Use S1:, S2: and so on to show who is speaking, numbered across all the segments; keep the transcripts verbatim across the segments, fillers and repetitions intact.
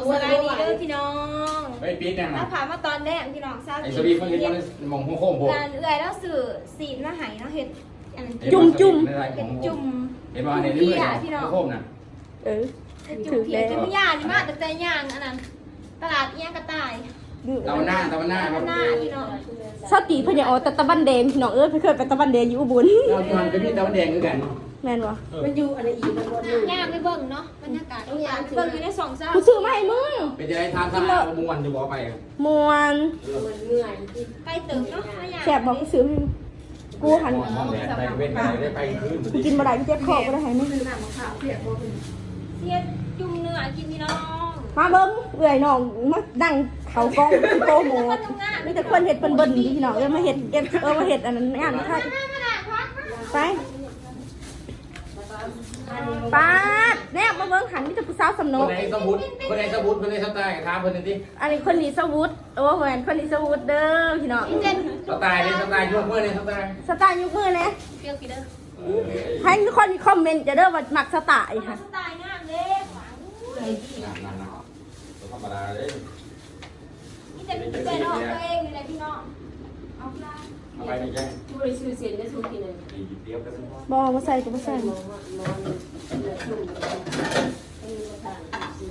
S1: สบายดีเด้อพี่น้อง
S2: ไอ้ปี๊ดเนี่ย
S1: แล้
S2: นะ
S1: วผ่านมาตอนแรกพี่น้องทราบ
S2: ไอ้สวีเขาเห็นมันมองโค้งๆโผล่
S1: งานเอื่อยแล้วสื่อสีนมาหายเนาะเห็ดอันนั้น
S2: จุ่มจุ่ม
S1: เป็นจุ่ม
S2: เห็นว่าในนี้เลยโค้งน่ะ
S3: เออ
S1: เป็นจุ่มเพียงจุ่มย่างนี่มากแต่ใจย่างอันนั้นตลาดเอี้ยงกระต่าย
S2: ตะวันหน้าตะวันหน้าครับ
S1: หน้าพี่น้อง
S3: สติพญาออตะตะบันแดงพี่น้องเอ้ยเคยไปตะบันแดงอยู่อุบล
S2: เราทำเป็นพี่ตะวันแดงด้วยกัน
S3: แม่นวะ
S4: มันอยู่อะไรอีกมันวนอยู่
S1: ย่างไปเบิ่งเนาะบรรยากาศย่างไปเบิ่งอยู่ในสองซ่า
S3: กูซื้อมาให้มึง
S2: เป็นจะได้ทานทานแล้วมวนจะบอกไป
S3: มวน
S4: มันเหนื่อยที่
S1: ใกล้ตึกเนาะไม่ย่าง
S3: แสบบอกกูซื้อให้มึงกูหัน
S2: ห้องแดดไปเว้นไปได้ไปคืน
S3: กูกินบ่ได้กูเจ็บคอกูได้ให้มึง
S4: คือหนังขาวเปียกบ่เป็น
S1: เสียจุ่มเนื้อกินพี่น้อง
S3: มาเบิ่งเอื่อยน้องมาดังเขากล้องโปรโมทมีแต่คนเห็ดเบิ่นๆพี่น้องเอ้ยมาเห็ดเอฟเออมาเห็ดอันนั้นงานค่ะไปป้าดแนบมาเบิ่งหันมีแต่ผู้สาวสำน
S2: คน
S3: ก
S2: ไหนสมุดคนไหนสมุดคนไหนสไตล์ถามคนนี้ดิ
S3: อันนี้คนนี้สวุฒโอ้โหแหวนคนนี้สวุฒเด้อพี่น้อง
S1: เจน
S2: สไตล์เนี่ยสไตล์ยกมือเนี่ยสไตล์
S3: สไตล์ยกมือนะ
S1: เปรี้ยวกี่เด้อ
S3: ให้ทุกคนคอมเมนต์จะเด้อว่ามักสไตล์ค่ะ
S1: สไตล์งามเด้หวัง
S2: นั่นๆธรรมดาเลย
S1: นี่จะเป็นเป็นออกตัวเองอยู่เลยพี่น้องเอาละ
S2: เอาไปไม่ใช่
S4: บริสุทธิ์เสียงได้สุดที่ไหน
S2: เดียวกัน
S3: บอมาใส่ก็มาใส่
S4: มองว่านอนเหลือชุ่มเออทางสี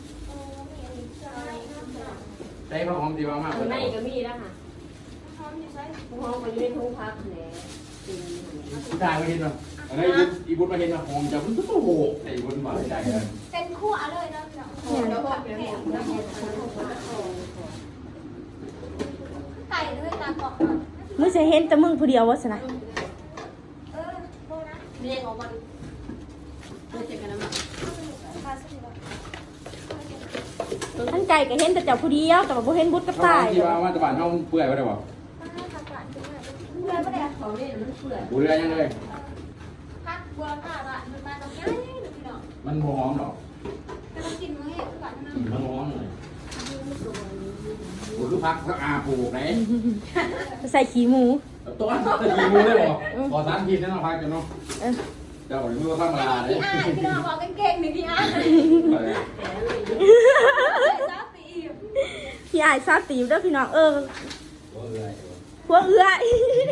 S2: ได้พระหอมดีมาก
S4: ข้างในก็มีแล้วค่ะ
S1: พร้อมอยู่ใช่
S4: ห้องมันอยู่ในทุ่งพักแหละสี
S2: ได้ไม่เห็นหรออันนี้อีบุญมาเห็นหอมจะมันโอ้โหไอ้บุญมาใจเลย
S1: เป็นคู่เอาเลยนะพี่น้อง
S4: โอ้แล้วก็เป็นหมดแล้วก็เป็นทุ่งพัก
S1: ไก่ด้วยตาเกาะ
S3: มึงจะเห็นแต่มึงผู้เดียววะสนะ
S1: เออโบนะ
S4: เรียกออกมาเพื่อจะกันน้ำมัน
S1: พาสิแล้ว
S3: ทั้งใจก็เห็นแต่เจ้าผู้เดียวแต่ว่าบ่เห็นบุตรกับตาย
S2: ที่ว่ามาตะวันห้องเปื่อยไปได้บ่
S1: มาขับหลานด้วยเพื่อนไม่ได้
S4: เขาเนี่ยมันเปื่อย
S2: กูเรือยังเลย
S1: พักบัวผ้าละมันมาตรงนี้พี่น้อง
S2: มันหอมหรอก
S1: แต่ต้องกินมื้อเห็ดก่อนนะ
S2: มันหอมเลยกูคือพักสักอาปลูกไหน
S3: ใส่ขี้หมู
S2: ตัวจะกินมือได้บ่พอสารกินนั่นเราพักกันเนาะเจ้าหรือมือธรรมดาเลย
S1: พี่อ้ายพี่น้องบอกเก่งๆหนึ่งพี่อ้ายซาปี
S3: พี่อายซาตีบเด้อพี่น้องเออพวกเอื้อย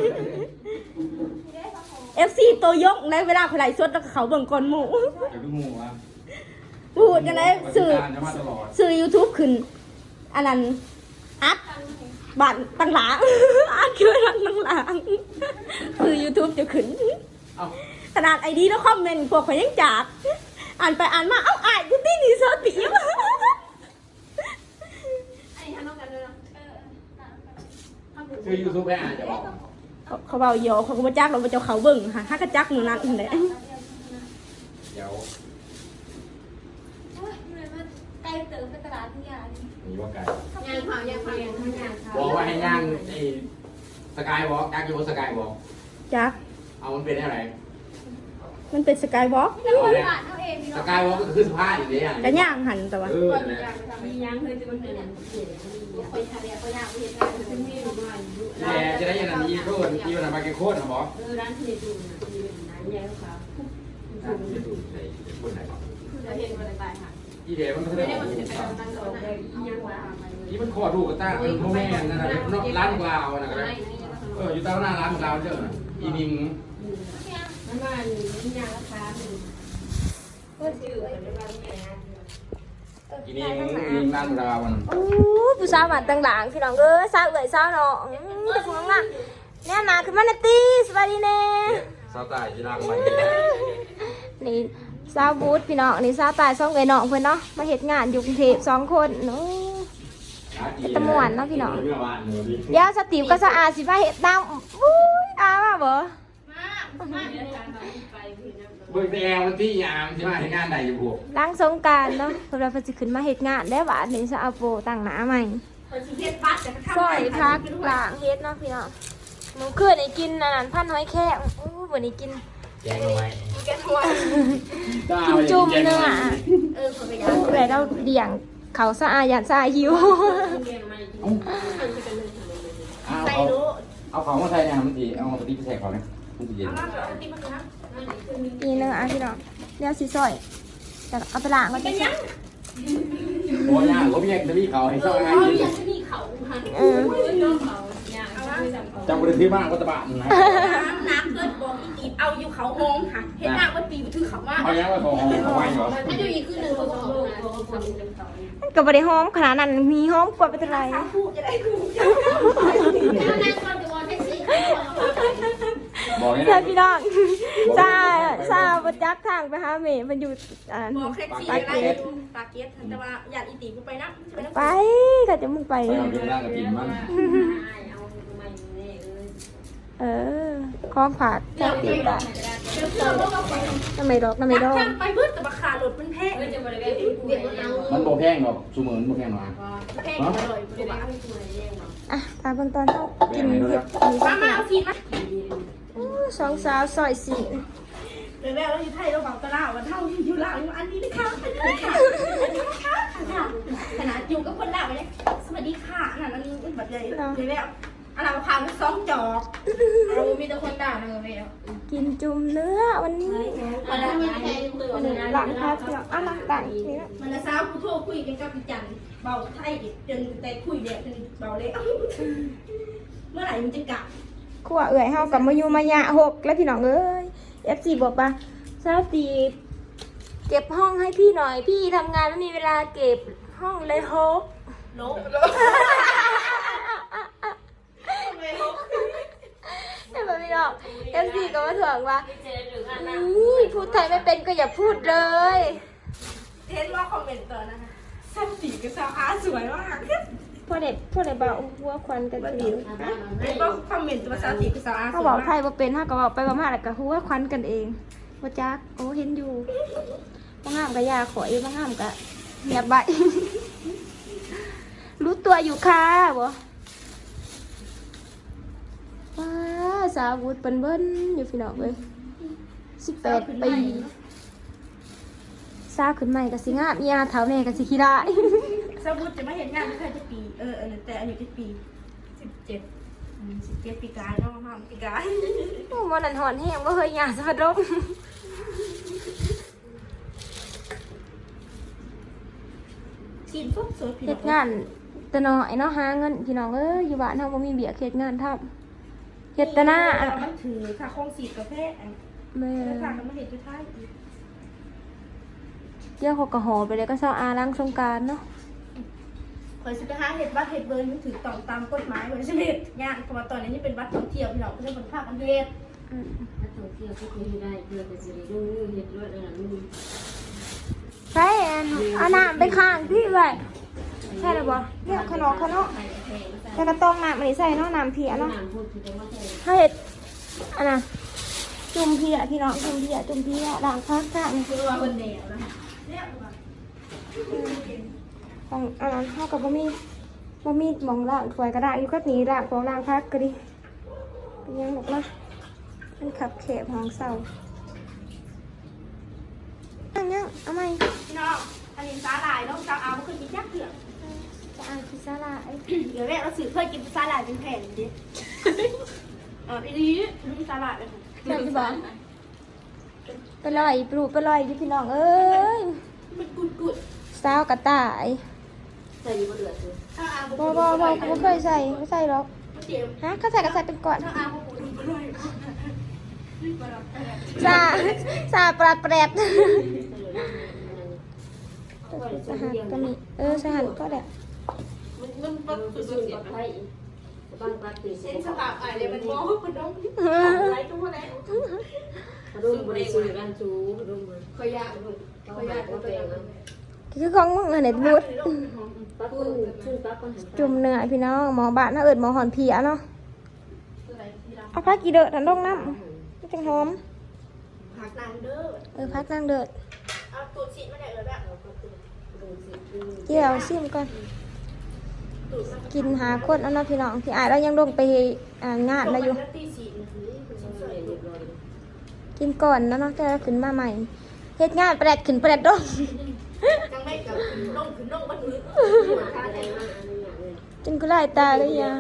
S3: เอฟซีตัวยกในเวลาเขาไล่สดแล้วเขาเบิ่งก่อนหมู
S2: จะดูงูวะ
S3: พูดกันเลยสื่อ
S2: จะมาตลอด
S3: สื่อ YouTube ขึ้นอันนั้นอัดบ้านตั้งหลัง อัดคือตั้งตั้งหลังคือ YouTube จะขึ้น
S2: เอ้า
S3: ขนาดไอดีแล้วคอมเมนต์พวกเขายังจับอ่านไปอ่านมาเอ้าอ่านกูตีนี่ซอตีม
S1: อันนี้ทำน้องกันเลยเนาะเออ
S2: ชื่อยูทูบแม่จะบอก
S3: เขาเบาโยเขาก็มาจักเราไปเจ้าเขาเบิ่งค่ะถ้ากระจักหนูนั้นเลย
S2: เดี๋ยว
S1: โอ้ยเหนื่อยมากไกลเติมไปตลาดที่ยาดิ
S2: มีว่าไก่
S4: ย่างขาวย่างขาวย่างข้างย่างขาว
S2: บอกว่าให้ย่างไอ้สกายบอกยักษ์อยู่บนสกายบอก
S3: จัก
S2: เอามันเป็นอะไร
S3: มันเป็นสกายวอล์ก
S1: แล้วคนบ้านเขาเองพี่
S2: ส
S1: น้อง
S2: กายวอล์กก็คือสภาพอย่างนี้อ่ะ
S3: กระย่างหันแต่ว่า
S2: เออ
S4: มีย่างเคยจะมันเป็นอย่างเสียไปทะเลไปย่างไปเห็นได้จะมีอยู่บ้านอยู่
S2: แต่จะได้ยันนันยีโคตรยีวันนั้นมาเก็ตโคตรนะบอก
S4: เออร้านที่ดูนะที่เป็นร้านใหญ่ขาว
S2: จะดูในคนไหนบอก
S4: คือจะเห็นอะไรตายค่ะ
S2: อีเดียมันก็ได้
S4: ไม่
S2: บ
S4: ได้
S2: อก
S4: มันจะเป็นตั้งโต๊ะเลยยังว่า
S2: ที่มันคอดูกระต้าเป็นพ่อแม่นั่นแหละร้านกลาวนะครับเอออยู่ใต้หน้าร้านกลาวเจ้าน่ะอีนิง
S4: มันว่ามีย่างราคาหนึ่งก็ชื่อเป็นว่าแม่
S2: อีนิงอีนิงร้านกลาวมัน
S3: โอ้ผู้สาวบ้านตั้งหลังพี่น้องเอ้ยสาวเอ๋ยสาวเนาะอืมแต่พวกนั้นเนี่ยนาขึ้นมาในตีสวัสดีแน่
S2: สาวตายจีรังไป
S3: นี่สาวบูธพี่น้องนี่สาวตายสองเอ๋ยน้องเพิ่นเนาะมาเฮ็ดงานอยู่กรุงเทพสองคนเนาะเดี๋ยวสติวก็สะอาดสิพาเฮ็ดน้ำอุ้ยอาว่าบ่
S2: เบิกแต่วันที่ยามที่มาให้งานใดอยู่พวก
S3: ล้างสงกรานต์เนาะเพิ่นว่าเพิ่นสิขึ้นมาเฮ็ดงานได้ว่านี่สาวโปตั้งหน้าใหม่ซอยพักล้างเฮ็ดเนาะพี่น้องหนูคืนนี่กินอันนั้นพันหอยแครงอู้วันนี้กิน
S2: แจ้งเอาไว้
S3: กินจุ่มเนื้อเอื่อยเราเดี่ยงเขาสะอาดยันสะอาดหิว
S2: เอาเอาของมาใส่เนี่ยมันดีเอาสติ๊กใส่เขาเนี่ยมันจะเย็น
S3: นี่เนื้ออ่ะพี่น้องเดี๋ยวสิซอยแต่เอาไปล้างมันจะ
S2: โอ้ยากเขาเพียงจะมีเขาให้
S1: เอ
S2: เศร้า
S1: อ
S2: ไง
S1: เขาอยากจะมีเขาหัน
S3: เออ
S2: จำบริษัทบ้างก็ตะบะนะ
S1: น้ำน้ำเกิดบอกอีกีเอาอยู่เขาห้องค่ะเห็นหน้าว่าปีมันคือเขาว่า
S2: เขายังว่าของเขาไว้เหรอ
S1: ไม่ได้มีคือหนึ่งเขาบอก
S3: ก็บ่ได้หอมขนาดนั้นมีหอมกว่าเป็นไร
S1: ถ้าพูดจะได้พูดถ้านั่งก่อนจะวอนแท็กซี่
S2: บอกให้
S3: เพื่อ
S2: นะ
S3: นพี่น้องซาซาบ่จักทางไปหาแม่มันอยู่อ่า
S1: บอกแท็กซี่อะไรตาเกียรแต่ว่าอยากอีตีกูไปนะ
S3: ไปก็จะมึงไป
S2: ไปเอาเรื่องร่างกับกินมัน
S3: เออของฝากแค่ตีดอกน้ำไม่ดอกน้ำไม่ดอก
S1: ไปเพื่อนกับราคาหลดมันแพง
S2: มันโบแพงหรอกสูเหมือนโบแพงหรอก
S1: แพงอร่อยกว่า
S3: อ่ะตามเบิ่งตอนเฮากินเห็ดมี
S1: มามาเอาฟีมา
S3: สองสาวซอยสี่
S1: เดี๋ยวแล้วอยู่ไทยเราบอกตลาดวันเท่าอยู่ลาวอยู่อันนี้นะคะอันนี้ค่ะอันนี้ค่ะขนาดอยู่กับคนลาวไปเลยสวัสดีค่ะอันนั้นอันนี้แบบใหญ่เดี๋ยวแล้วอันนั้นพาไปสองจอกเรามีแต่คนด่าเลยแม่
S3: กินจุ่มเนื้อวันนี้
S1: มันละมันแพงตัว
S3: หลังพักเนาะอ่ะหลังต่างนี่นะ
S1: มันละสาวกูโทรคุยกันกับพี่จันเบาไทยจนแต่คุยเด็กจนเบาเลยเมื่อไหร่มันจะกลับ
S3: ขั้วเอื่อยเฮากับมาอยู่มายะหกแล้วพี่น้องเอ้ย เอฟ ซี บอกว่าซาตีเก็บห้องให้พี่หน่อยพี่ทำงานไม่มีเวลาเก็บห้องเลยหก
S1: โล
S3: เห็นไหมพี่น้อง เอฟ ซี ก็มาถ่วงว่านี่พูดไทยไม่เป็นก็อย่าพูดเลย
S1: เทสว่าคอมเมนต์ตัวนะคะสาวตีกับสาวอาสวยมาก
S3: พวกเด็กพวกเด็กบอกหัวควันกันสิว
S1: เทสว่าคอมเมนต์ตัวสาวตีกับสาวอาส
S3: เขา
S1: วย
S3: บอก
S1: มาก
S3: ไทยว่าเป็นถ้าก็บอกไปประมาณแล้วก็หัวควันกันเองว่าจักโอ้เห็นอยู่บางงามก็ยาขอยบางงามก็เงียบใบ รู้ตัวอยู่ค่ะบ่ว้าสาววุฒเปิ้นเบิ้นอยู่พี่น้องเอ้ยสิบแปดปีสาวขึ้นใหม่กับสิงามอีอาเท้าแน่กับสิขี้ได้
S1: สาวบุตรจะมาเห็นงานไม่เคยจะปีเออเออแต่อายุจะปีสิบเจ็ดสิบเจ็ดปีกายเนาะห้ามปีกาย
S3: โอ้มันนั่นหอนแห้งว่าเฮยหยาสะพัดลม
S1: กินปุ๊บสวยผิด
S3: เฮ็ดงานแต่น้อยเนาะหาเงินพี่น้องเอ้ยอยู่บ้านเฮาบ่มีเบียกเฮ็ดงานทำเฮ็ดแต่หน้าอะ
S1: มันถือค่ะคงสีกาแฟ
S3: แม่
S1: แล้วค่ะมันเห็นจะท้าย
S3: เดี๋ยวเขาก็หอไปเลยก็เซาอาล้างสงกรานต์เนาะ
S1: คอยสิไปหาเห็ดบัตรเห็ดเบอร์มันถือต้องตามกฎหมายเหมือนเห็ดงานเพราะว่าตอนนี้นี่เป็นบัตรท่องเที่ยวพี่น้องก็จะเป็นภาคอันเฮ็ด
S3: อืม
S4: ถ้าท่องเที่ยวก็คุยได้เพื่อจะสิได้ดูเห็ดรวดอะไรนู่น
S3: ใช่อันเอาน้ำไปข้างพี่เอ้ยใช่แล้วบ่เนี่ยขนมขนมแต่กระต้องน้ำอันนี้ใส่เนาะน้ำเพียเนาะ
S4: น้ำพูดถึงว่าแท้
S3: ถ้าเฮ็ดอันน่ะจุ่มเพียพี่น้องจุ่มเพียจุ่มเพียล้างพักข้าง
S1: คือว่าคนเดียวนะเนี่ย
S3: ของอันนั้นเฮาก็บ่มีบ่มีหม่องล้างถ้วยก็ได้อยู่ก็หนีล้างของล้างพักก็ดิเป็นยังบอกนะมันขับแคบห้องเศร้าอันยังเอาไหม
S1: พี่น้องอันนี้ซาลายน้องซาอาไม่เคยกินยักษ์เถื่อน
S3: จะอ่านพิซซ่าลาย
S1: เดี๋ยวแม่เราสื่อเคยกินซาลายเป็นแผ่นดิเอออีนี้มีซาลายเป็น
S3: แม่จะบอกไปลอยปลูกไปลอยอยู่พี่น้องเอ้ย
S1: มันกุดกุด
S3: สาวกระต่าย
S4: ใส่อยู่บนเรือคือ
S1: ซาอา
S3: บ่บ่บ่บ่เคยใส่ไม่ใส่หรอก
S1: เจ็บ
S3: ฮะเขาใส่ก็ใส่เป็นก่อน
S1: ซาอาเขาปวดไปเลย
S3: ซาซาปลาแปรดสหัสก็มีเออสหัสก็ได้
S1: มันมันมัน
S4: คือ
S1: สุ
S4: สุ
S1: ด
S4: ด
S1: เสีย
S4: กับไทยบางปักตื่น
S1: เส้นสภาพอะไรมันมองคนน้องไรตัวแล้ว
S4: รุ่มบริสุทธิ์กันจูรุ่ม
S1: ขยะลูกขยะตัวเอง
S3: คือของมึงอันไหนบูด
S4: ปักคนชื่อปักคนหัน
S3: จุ่มเนื้อพี่น้องหมอบ้านน่าเอิดหมอหอนเพียเนาะเอาพักกี่เด้อทันลงน้ำไม่จังหอม
S1: ผักนางเด้อ
S3: เออพักนั่งเด้อ
S1: เอาตูดฉีดมาไหนเลยแบบ
S3: เกี่ยวซิมก่อนกินหาคนเอาเนาะพี่น้องพี่อายเรายังลงไปอ่างานแล้วอยู่
S1: ตีฉีด
S3: กินก่อนแล้วเนาะแต่เราขึ้นมาใหม่เฮ็ดงานแปลดขึ้นแปลดดง
S1: จังไม่กับน้องคือน้องมันมือ
S3: กินกุไลตาเลยยา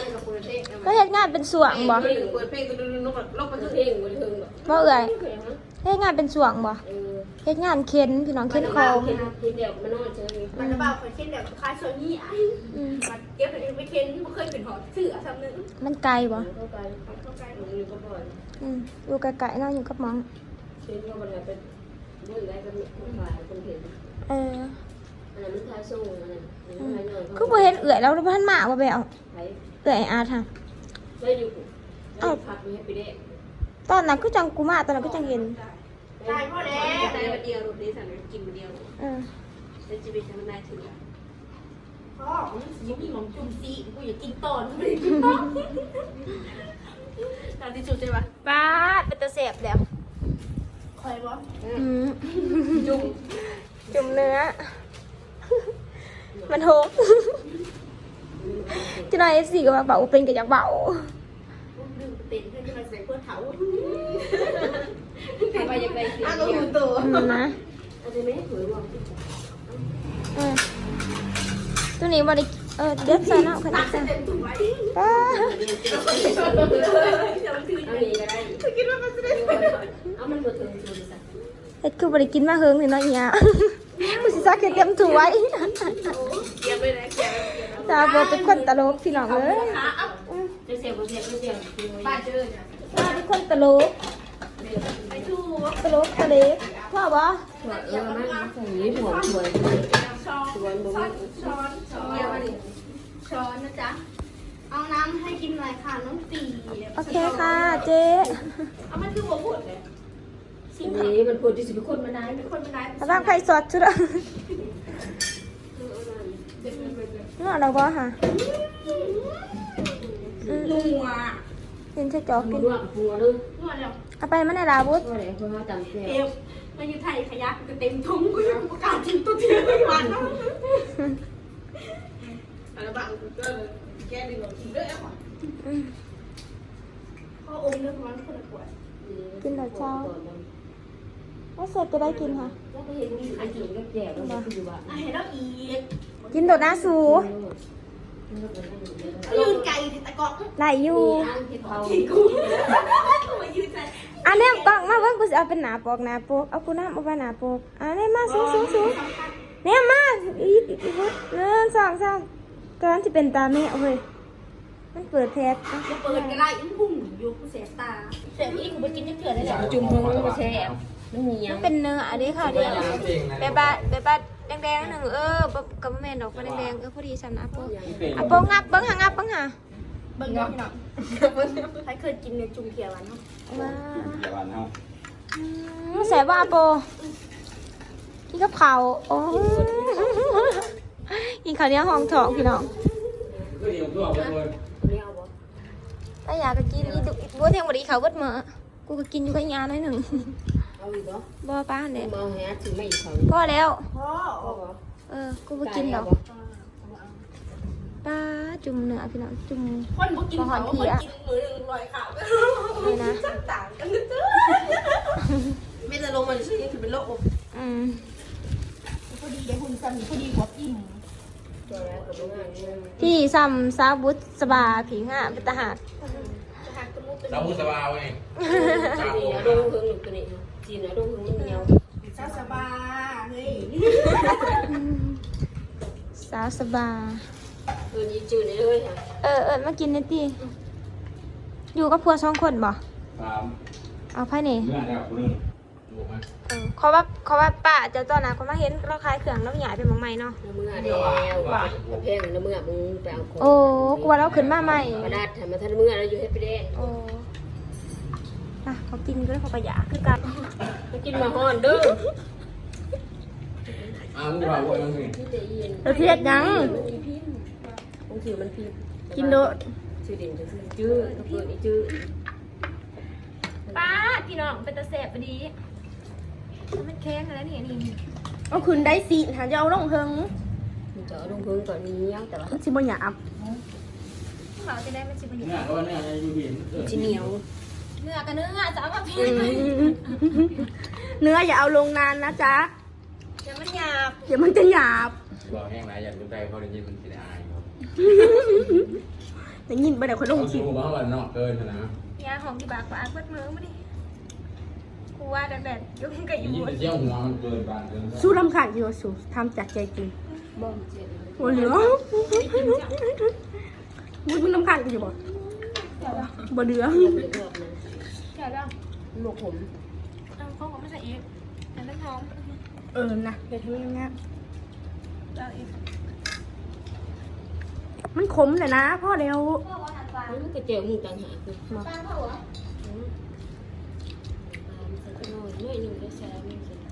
S3: ก็เฮ็ดงานเป็นส่วงบ่
S4: เปิดเพลงก็ดูนกนกมันเพลงมันเทิงแบบ
S3: บ่เอ่ยเฮ็ดงานเป็นส่วงบ่
S4: เออ
S3: เฮ็ดงานเข็นพี่น้องเข็นของ
S4: เห็นเดี๋ยวมันนอนเจอนี่
S1: มันจะเบาคนเช่นแบบคล้ายโซนี่อ่ะ
S3: อืม
S1: มันเก็บไปไปเค้นไม่เคยเป็นหอเสือซ้ำนึง
S3: มันไกลบ่
S4: เข้าไป
S1: เข้าใกล้
S4: มันอยู่ก็บ่อย
S3: อืมอยู่ไกลๆเนาะอยู่กับหมอง
S4: เช่นว่ามันเป็นเรื่องอะไรก็มีคนถ่ายคนเห็น
S3: เออ
S4: อันนั้นมันถ่ายส่งอันนั้นอันนั้นถ่ายเงิน
S3: คือบ่เห็นเอื้อยแล้วบ่ทันมาบ่แบว
S4: ถ่าย
S3: เอื้อยอาร์ตค่ะ
S4: ได้อยู่ได้พักมีให้ไปได้
S3: ตอนนั้นคือจังกูมาตอนนั้นคือจังเห็น
S1: ตายพ่อแล้ว
S4: ได้วันเดียวรูปนี้สั่งกินวันเดียว
S3: เออ
S4: เป็นชีวิตธรรมดาถึง
S1: พ่อยังมีหมองจุ่มซีกูอยากกินต้นไม่ได้กินต้นตอนที่สุดใช่ปะ
S3: ป้าดเป็นตะเสบแล้ว
S1: คอยบอก
S3: อืม
S4: จุ่ม
S3: จุ่มเนื้อ มันโหกจะนายเอฟซีก็มาเบาเป็นกับอยากเบา
S1: ดื่มเต็มเพื่อนที่มาใส่เพื่อเถา
S4: ทำไมยังไงเสีย
S1: อ้าว
S4: เดียว
S1: กูตัว
S3: อืมนะ
S4: อาจจะไม่ได้ถือรวม
S3: เออตัวนี้บริเออเด็ดใส่เนาะขนาดใส่
S1: เต็มถุงไว้
S3: ป้า
S1: จะมันถือ
S4: เอานี้ก็ได้
S1: คิดว่ามันจะได้
S4: เอามันบ่ถึงจุดสัก
S3: เฮ็ดคือบริกินมาเฮิงนี่เนาะอีหยากูสิซักเฮ็ดเต็มถ้วย
S1: เกียบเลยนะเกียบ
S3: ตาบ่เป็นคนตลกพี่น้องเอ้ย
S1: ขาเอ้า
S4: จะเสียบ่เสียก็เสีย
S1: ป้าเจอเนี่ย
S3: ตาเป็นคนตลก
S1: ไปทู
S3: ตลกตะเล็กพ่อบ่
S4: เออมันใส่หัวสวย
S1: ช้อนช้อนช้อนช้อนช้อนนะจ๊ะเอาน้ำให้กินหน่อยค่ะน้องตี
S3: โอเคค่ะเจ๊
S1: เอามันคือหัวผุดเลยสิ่ง
S4: นี้มันควรที่จะเป็นคนมาได้
S1: เป็นคนเป็นนาย
S3: ระวังไข่สดจุดอ่ะนวดเราบ่ค่ะอืม
S1: นัว
S3: เห็นใช่จอกกิน
S4: หัวหัวนึง
S1: นัวแล้ว
S3: เอาไปมันในลาบุส
S4: ก็เลยเพื่อจำเสีย
S1: เอวมาอยู่ไทยขยักก็เต็มทุ่งกูยังประกาศจิ้มตัวเทียไม่หวานนะอะไรบ้างก็แกดึงออกกินด้วยอ่ะ
S3: อืม
S1: พ่ออมเรื่องมันคนละขวด
S3: แล้วเสร็จจะได้กินค่ะ
S4: แล้วก็เห็นมีอันกินก็แจกแล้วมาคือว่า
S1: อ่ะเห็นแล้วอีก
S3: กินโดดหน้าสู
S1: ยืนไก่ตะกอก
S3: ไหลอยู่
S4: เขา
S1: ที่กูมายืนใจ
S3: อันนี้กล่องมาเพิ่งกูจะเอาเป็นหนาปกหนาปกเอากูน้ำเอาไปหนาปกอันนี้มาสูงสูงสูงเนี่ยมาอีกอีกอีกเริ่มสองสองตอนนั้นจะเป็นตาแม่เว้ยมันเปิดแทส
S1: จะเปิดก็ได้อิ้งพุ่งอยู่กูเสียตาเสียพี่กูไปกินน้ำเกลือได้แหละ
S4: จุ่มเพิ่งมาแช่มันมียั
S3: มั
S4: ง
S3: นเป็นเนื้ออันนี้ค่ะเดี๋ยวแบบบาแบบบาแดงๆหนึ่งเออกับแม่ดอกก็แดงๆเออพอดีสำนักปกอ่ะปกงับเบิ้งหางับเบิ้งหา
S1: เบิ่งเนาะพี่น้องใครเคยกินในจุ่มเขียววันเนาะ
S3: ว้า
S2: เดี๋ยววันเนาะ
S3: วแสบว่าโปกินกับเขาวโอ้กินข้าวเหนียวห้องทองพี่น้อง
S2: ก็เดี๋ยวตัวไปเลย
S4: นี่เอาบ่
S3: ถ้าอยากก็กินอีดุบัวเทียงบดีเขาวเบิดมื้อกูก็กินอยู่กับยาหน่อยหนึ่ง
S4: เอาอีกบ่
S3: บ่ป้าเนี่ย
S4: มาแฮะถึงไม่อีกเขา
S3: พอแล้ว
S1: พ่อ
S4: ก็บ่
S3: เออกูไปกินดอกป้าจุ่มเนื้อพี่น้องจุ่ม
S1: คนบ่กินเขาคนกินมือหนึ่งลอยขาว
S3: เลยนะ
S1: ต่างกันนะจ๊ะไม่จะลงมาชื่อยังถือเป็นโรค
S3: อืม
S1: พอดีได้หุ่นซ้ำพอดีหัวอิ่ม
S4: ตัวแรกกับงานนี่
S3: พี่ซ้ำซาวบุษสบาผีง่าเป็นตาหาก
S1: จะหักจมูกเป็น
S2: เราพูดสบายเว้ย
S4: นี่นะดงเพิ่งหนึ่งตัวนี้จีนนะดงเพิ่งมันเหนียว
S1: ซาสบาเฮ้ย
S3: สาวสบา
S4: เออยี่จืดเลยค่ะ
S3: เออเออมากินนิดดิอยู่กับพัวสองคนบ่
S2: สาม
S3: เอาไพ่นี่
S2: เนื้อแล้วคุณนึงถูกไหม
S3: เออเขาว่าเขาว่าป้าเจะตอนนั้นเขามาเห็นเราขายเครื่องแล้วใหญ่เป็นหมองใหม่เนาะ
S4: น้ำมือเดียวว่าแพงน้ำมือมึงไปเอาของ
S3: โอ้กลัวเราขึ้นมาใหม่
S4: กระดาษทำมาทันมือแล้วอยู่ให้ไปแดง
S3: โอ้อ่ะเขากินก็เลยเขาประหยัดคือกัน
S4: มากินมาฮ้อนเด้อ
S2: อ้าวมึงว่าว่ายังไง
S4: ที่จะยิน
S3: เราเพียดยัง
S4: มันมีพิมพ์บางทีมันพิมพ์
S3: กินโดด
S4: ชื่อเด่นจะคือจื้อตัวเปิดนี่จื้อ
S3: ป้าพี่น้องเป็นตะเสบพอดีมันแข็งแล้วนี่นี่
S1: เอาคืนได้สิหาจะเอาลงเพิง
S4: มันจะเอาลงพื้นก่อนนี้ยังแต่ว่า
S1: ชิบะหยาบ
S3: เขาจะได้ไม่ชิบะหย
S2: เนื้อก็ว่าเนื้อในยูบีนเออ
S4: จะเหนียว
S3: เนื้อกับเนื้อจะเอามาพี่
S1: เนื้ออย่าเอาลงนานนะจ๊ะ
S3: เดี๋ยวมันหยาบ
S1: เดี๋ยวมันจะหยาบ
S2: บอกแห้งไรอยากดูใจเขาได้ยินมันสิได้อายครับ
S1: แต่ยินไปเดี๋ยวคนลง
S2: เขา
S1: คลิ
S2: สู
S1: ป
S2: งบ้างวันนอกเกินนะ
S3: ยาของที่บากปากเบิดมือมาดิกูว่าแดดๆยุ่งกับอยู่
S2: ยิ่งไปเที่ยวหัวมันเกินบ้านเกิน
S1: สู้รำคาญอยู่สู้ทำจากใจจริง
S4: บ่มเจ็ด
S1: โอ้เหลือมึงมึงรำคาญกูอยู่บ่บ่เหลือ
S4: เลือกนะ
S3: เดี๋ยวเดี๋ยว
S4: หมกผม
S3: เอาข้าวก็ไม่ใส่อีกอันนั้นท้อง
S1: เออนะเดี๋ยวทำยังไง
S3: เอาอีก
S1: มันขมเลยนะพ่อเร็ว
S3: พ่อว่าหันปลา
S4: มันก็เจียวมึงต่างหากคือมา
S3: ปลาเผาเหรอ
S4: ใส่น้อยน้อยหนึ่งได้แซ่บมึงสิ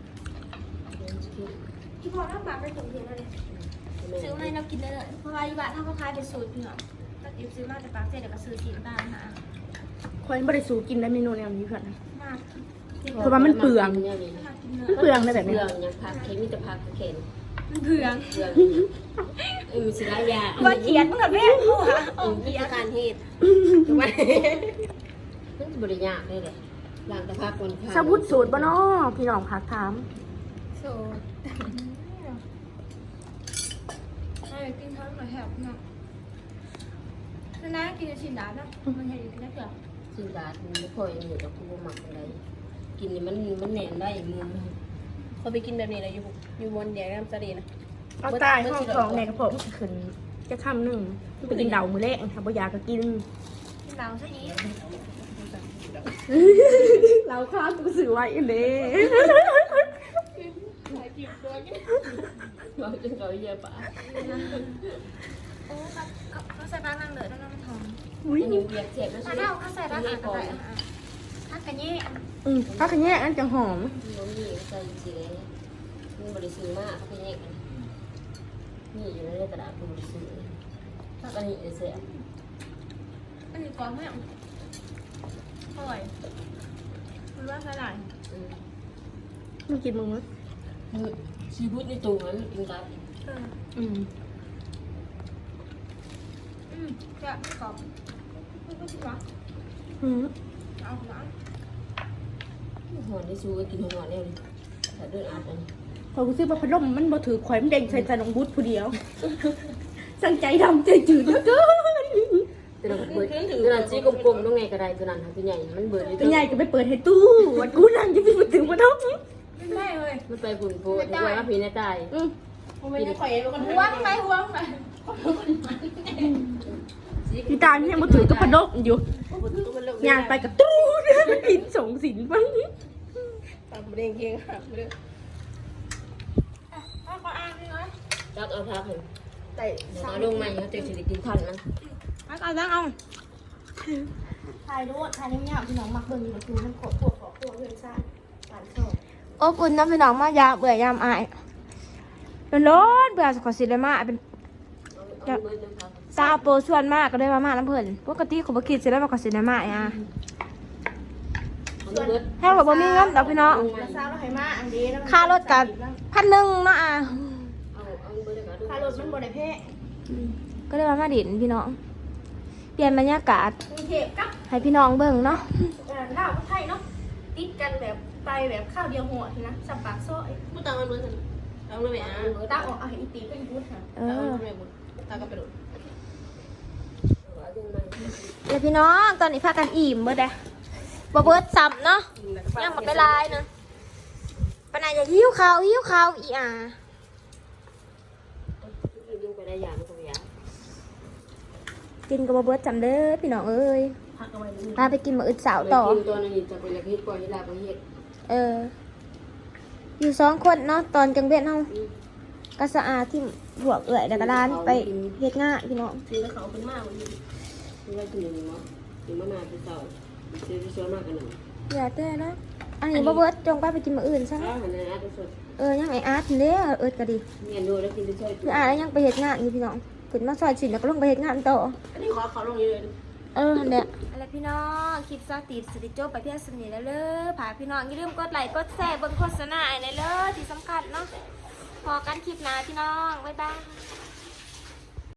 S3: ที่พ่อทำปลาไปส่งเพียงอะไรซื้อมาให้เรากินได้เลยเพราะว่าที่บ้านถ้าเขาขายเป็นสูตรเนาะถ้ากินซื้อมาจากปากเจ๊เดี๋ยวก็ซื้อกินได้นะ
S1: คอยไม่ได้สูกินได้เมนูแนวนี้เพื่อน
S3: มาก
S1: เพราะว่ามันเปลือง
S4: มัน
S3: ถ้ากินเนื้อ
S1: มันเปลืองเลยแบบ
S4: เป
S1: นี้
S4: ลืองยังพักเค็มมีแต่พักเค็ม
S3: มันเผือง
S4: เปลืองเออสิได้ยา
S3: ว่าเขียนมึงกับแม่กูอะ
S4: เออมีการเฮ็ดถูกไหมมันบริยากเลยแหละหลังแต่พักคน
S1: สาวุธสูตรบ่เนาะพี่น้องพักถาม
S3: โซ่ไอ้กินท้องหน่อยแหบเนาะนะกินชิ้นดาบนะมันใหญ่กินได้เปล่า
S4: สิดาดมันไม่ค่อยเหนื่อยกับกูหมักอะไรกินนี่มันมันแน่นได้มือ
S5: เขาไปกินแบบนี้เลยอยู่อยู่บนเดียวน้ำสลีนะ
S1: เอาตายห้องทองในกระเพาะมันขึ้นจะคำหนึ่งไปกินเดามือแรกค่ะบ่อยากก็กิน
S3: กินดาวซะอีก
S1: เราข้าวกูสื่อไว้เด้
S4: เราจะเราเยอะปะ
S3: โอ้เขาเขาใส่ปลานั่งเลยแล้วน้ำมันหอม
S1: อุ้ย
S4: อันนี้เบียดเจ็บนะ
S3: ปลา
S4: ใช่ไหม
S3: เน่าเขาใส่ปลาอะไรอะไรถ้ากันยี่
S1: อืมพักกันแย่อันจะหอม
S4: น้องนี่ใส่สีเลยมันบริสุทธิ์มากเขาเป็นแยกกันนี่อยู่ในตลาดบริสุทธิ์ถ้ากันนี่เสีย
S3: อันนี้ก่อนแม่อร่อยมันว่าใส่หลาย
S1: มึงกินมึงมั้ย
S4: ชีวิตในตัวมันกินกับ
S3: เออ
S1: อืม
S3: อืมจะไม่กรอบไม่ก็ชิวะ
S1: อืม
S3: เอาหวาน
S4: หัวในซูก็กินหัวเนี่ยเลยแต่เดินอาบอัน
S1: พอกูซื้อมาพัดลมมันบ่ถือข่อยมันเด้งใส่ใส่น้องบุตรผู้เดียว สั่งใจดำใจจืดแล้วก็
S4: ตัวนั้นเบิดตัวนั้นจีกลมๆต้องไงก็ได้ตัวนั้นตัวใหญ่มันเบิด
S1: เป็นไงก็ไปเปิดให้ตู้วันกูนั่งจะไปถึงมาท้อง
S3: ไม่ได้เลย
S4: มันไปผุนโพดหัวว่าผีในตาย
S1: อืม
S5: ผมไม่ได้ข่อยเองเป็นคน
S3: หัวทำไมหัวทำไม
S1: พี่ตาเนี่ยมาถือกับพัดลมอยู่งานไปกับตู้กินส่งสินบ้าง
S5: ตามเรียงเคียงหักเลย
S3: เอาขออ่านหน่อย
S4: จักเอาพักเห็น
S5: แต่
S4: เดี๋ยวมาลงมาอย่างเจ๊จะกินทันนะ
S3: เอาเอาเอา
S1: ถ่ายด้วยถ่ายเนี่ยพี่น้องมักเบิ่งอยู่คือมันขอตัวขอตัวเพื่อนซ่าหวานชอบ
S3: อบอุ่นน้ำพี่น้องมายาเบื่อยามอายร้อนเบื่อขอสิเลยมาเป็น
S4: เอาเบิดน้ำพัก
S3: ซาโปชวนมากก็ได้มามาน้ำเพิ่นปกติเขาบ่คิดสิได้มาขอสิได้มาอ่ะ
S4: เอาเบิด
S3: ถ้าว่าบ่มีเงินดอกพี่น้อง
S1: แล้วซ่าเราให้มาอันนี้แล้ว
S3: ค่ารถกันพันหนึ่งเนาะอ่ะ
S4: เอาเอาเบิดเลยก็ดู
S1: ค่ารถมันบ่ได้แพ้
S3: ก็เลยมามาดินพี่น้อง เปลี่ยนบรรยากาศ
S1: กรุงเทพกับ
S3: ให้พี่น้องเบิ่งเนาะ
S1: เอ่อลาวกับไทยเนาะติดกันแบบไปแบบข้าวเดียวหัวทีนะสับปากซอย
S5: พูดตามมันเหมือนกันเอาเลยไหมอ่ะ
S1: ตาออกเอาให้อีตีเป็นพุทธค่ะ
S3: เอ
S5: เอา
S3: อ
S5: เลยบุญตาก็ไปดู
S4: เอาดึงมา
S3: แล้วพี่น้องตอนนี้พากันอิ่มเบิดเด้บ่เบิดซ้ำเนาะยังบ่ไปลายนะปานใดอย่าหิวข้าวหิวข้าวอีอ่ะ
S4: ดึงไปได้อย่างก็อย่าง
S3: กินก็บ่เบิดจำเด้อพี่น้องเอ้ย
S1: พักเอาไว้เลย
S3: พาไปกินมื้ออื่นเสาร์ต่อ
S4: กินตัวนี้จะเป็นละพิษก่อนที่ลาไปเฮ็ด
S3: เออ อยู่สองคนเนาะตอนกลางเว้นเฮาก็สะอาดที่หัวเอื่อยแล้วก็ร้านไปเฮ็ดงานพี่น้อง
S5: ซื้อแล้วเขาเป็นมากวันนี้
S4: ที่ว่ากินอย่างนี้มั้งกินมะนาวที่เต่าซื้อที่ช้อนมากกันหนึ่ง
S3: อย่าเต้อนะอันนี้บ่เบิดจงไปไปกินมื้ออื่นซะ
S4: อ้าวในอาร์ตสด
S3: เออยังไออาร์ตเด้อเอิดก็ดี
S4: เงียนดูแล้วกินที่ช่วย
S3: คืออาร์ตยังไปเฮ็ดงานอยู่พี่น้องขึ้นมาซอยสินแล้วก็ลงไปเฮ็ดงานต่อ
S5: อันนี้ขอเขาลงเยอะ
S3: เออนั่นแหละอะไรพี่น้องคลิปซาติดสติโจไปเพียงสนิทแล้วเด้อผาพี่น้องอย่าลืมกดไลค์กดแชร์เบิ่งโฆษณาไอ้ในเด้อที่สำคัญเนาะพอกันคลิปหน้าพี่น้องบ๊ายบาย